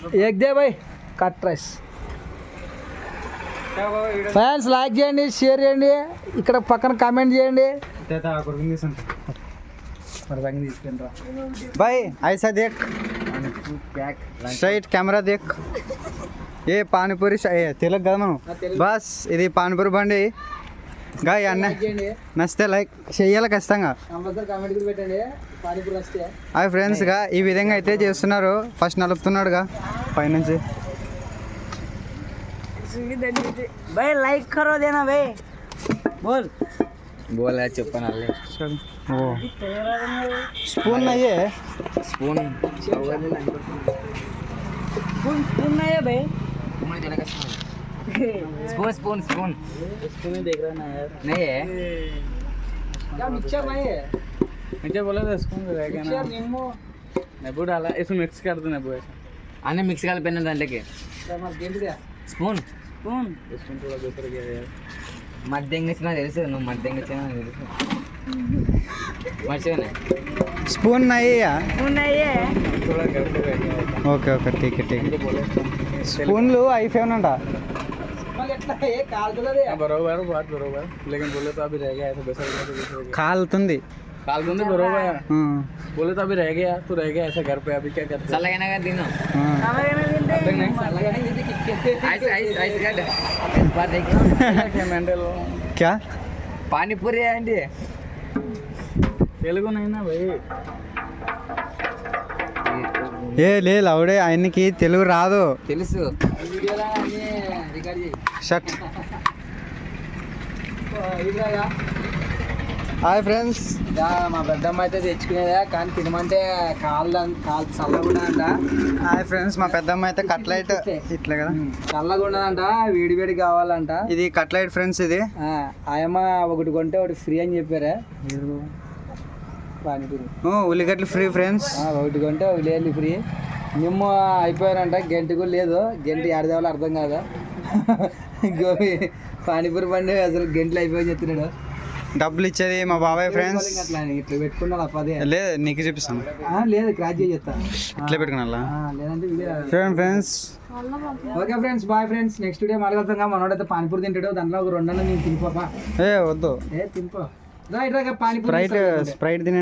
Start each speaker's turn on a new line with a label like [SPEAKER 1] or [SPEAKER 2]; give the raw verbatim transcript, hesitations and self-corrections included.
[SPEAKER 1] Egg దే బాయ్ కట్ రైస్. ఫ్యాన్స్ లైక్ చేయండి, షేర్ చేయండి, ఇక్కడ పక్కన కామెంట్ చేయండి.
[SPEAKER 2] भाई ऐसा देख, స్ట్రైట్ కెమెరా దేక్. ఏ పానీపూరి తెలుగు కదా మనం. బస్ ఇది పానీపూరి బండి గా అన్న నచ్చితే లైక్ చెయ్యాలి ఖచ్చితంగా. అవి ఫ్రెండ్స్గా ఈ విధంగా అయితే చేస్తున్నారు. ఫస్ట్ నలుపుతున్నాడుగా పైనుంచి.
[SPEAKER 1] भाई लाइक करो देना भाई. बोल
[SPEAKER 3] बोल है चुप्पन आले
[SPEAKER 2] ఓ స్పూన్ అయ్యే
[SPEAKER 3] स्पून
[SPEAKER 1] स्पून स्पून नहीं है भाई.
[SPEAKER 3] स्पून स्पून स्पून
[SPEAKER 1] स्पून ही देख रहा ना यार.
[SPEAKER 3] नहीं है
[SPEAKER 1] क्या मिक्सचर नहीं है.
[SPEAKER 4] मुझे बोला था स्पून रह गया ना.
[SPEAKER 1] मिक्सचर नींबू
[SPEAKER 4] नींबू डाला इसमें मिक्स कर दो नींबू ऐसा.
[SPEAKER 3] आने मिक्स कर पेन डाल के
[SPEAKER 1] मत गेम दिया.
[SPEAKER 3] स्पून
[SPEAKER 1] स्पून
[SPEAKER 4] स्पून थोड़ा दूसरा गया यार.
[SPEAKER 3] మధ్యంగా ఇచ్చిన తెలుసు నువ్వు మధ్యంగా ఇచ్చిన తెలుసు మర్చిపోయినా.
[SPEAKER 2] స్పూన్ అయ్యా
[SPEAKER 1] स्पून नहीं है.
[SPEAKER 4] थोड़ा घर पे रह गया था.
[SPEAKER 2] ఓకే ఓకే ఠీక్ ఠీక్.
[SPEAKER 4] मुझे बोला था.
[SPEAKER 2] స్పూన్లు అయిపోయానంట.
[SPEAKER 1] मग ఎట్లా ఏ కాల్తులది.
[SPEAKER 4] हाँ, बरोबर बात बरोबर लेकिन बोले तो अभी रह गया ऐसा बेसा बोला तो बेसा रह गया.
[SPEAKER 2] కాలుతుంది.
[SPEAKER 4] काल बंदे बरोबर
[SPEAKER 2] ఆ,
[SPEAKER 4] बोले तो अभी रह गया तू रह गया ऐसा घर पे अभी क्या करते.
[SPEAKER 3] చల్లగానే కదా తిను
[SPEAKER 2] ఆ.
[SPEAKER 1] అలాగనే తింటే
[SPEAKER 4] नहीं
[SPEAKER 1] అలాగనే ఇది కిక్కే.
[SPEAKER 3] ఐస్ ఐస్ ఐస్ గడ్డ బార్ దేఖ
[SPEAKER 4] क्या मेंटल
[SPEAKER 2] క్యా
[SPEAKER 3] పానీపూరి అండి
[SPEAKER 4] तेलुगु नहीं ना भाई.
[SPEAKER 2] ఏ లే లౌడే ఆయనకి తెలుగు రాదు.
[SPEAKER 3] తెలుసు
[SPEAKER 1] వీడియోలో అన్ని రికార్డ్ చేయి.
[SPEAKER 2] షట్.
[SPEAKER 1] ఇదిగా
[SPEAKER 2] హాయ్ ఫ్రెండ్స్.
[SPEAKER 1] ఇదా మా పెద్దమ్మ అయితే తెచ్చుకునేదా కానీ తినమంటే కాళ్ళు కాళ్ళు చల్లగా అంట.
[SPEAKER 2] హాయ్ ఫ్రెండ్స్, మా పెద్దమ్మ అయితే కట్లైట్ ఇట్లా కదా.
[SPEAKER 1] చల్లగా ఉండదంట, వేడి వేడి కావాలంట.
[SPEAKER 2] ఇది కట్లైట్ ఫ్రెండ్స్. ఇది
[SPEAKER 1] ఆ, ఆయమ్మ ఒకటి కొంటే ఒకటి ఫ్రీ అని చెప్పారా పానీపూరి.
[SPEAKER 2] ఓ, ఉల్లిగడ్డలు ఫ్రీ ఫ్రెండ్స్.
[SPEAKER 1] ఆ, ఒకటి కొంటే ఒకటి లేదు ఫ్రీ. నిమ్మ అయిపోయారంట, గంట కూడా లేదు. గంట ఏడదేవాలో అర్థం కాదా. గోబీ పానీపూరి బండి అసలు గంటలు అయిపోయి చెప్తున్నాడు.
[SPEAKER 2] డబ్బులు ఇచ్చేది మా బాబాయ్ ఫ్రెండ్స్.
[SPEAKER 1] అట్లా ఇట్లా పెట్టుకున్నా పదే.
[SPEAKER 2] లేదు నీకు చూపిస్తాను.
[SPEAKER 1] ఆ, లేదు క్రాచ్ చేసి చెప్తా.
[SPEAKER 2] ఇట్లా పెట్టుకున్నా.
[SPEAKER 1] ఆ, లేదంటే వీడియో.
[SPEAKER 2] చూడండి friends.
[SPEAKER 1] Okay friends, bye friends. Next video మాట్లాడుతాం. మనోడైతే పానీపూరి తింటాడు, దాంట్లో ఒక రెండు నేను తినిపోపా.
[SPEAKER 2] ఏ వద్దు,
[SPEAKER 1] ఏ తినిపో రైట్ రా పానీపూరి
[SPEAKER 2] స్ప్రైట్ స్ప్రైట్ తినే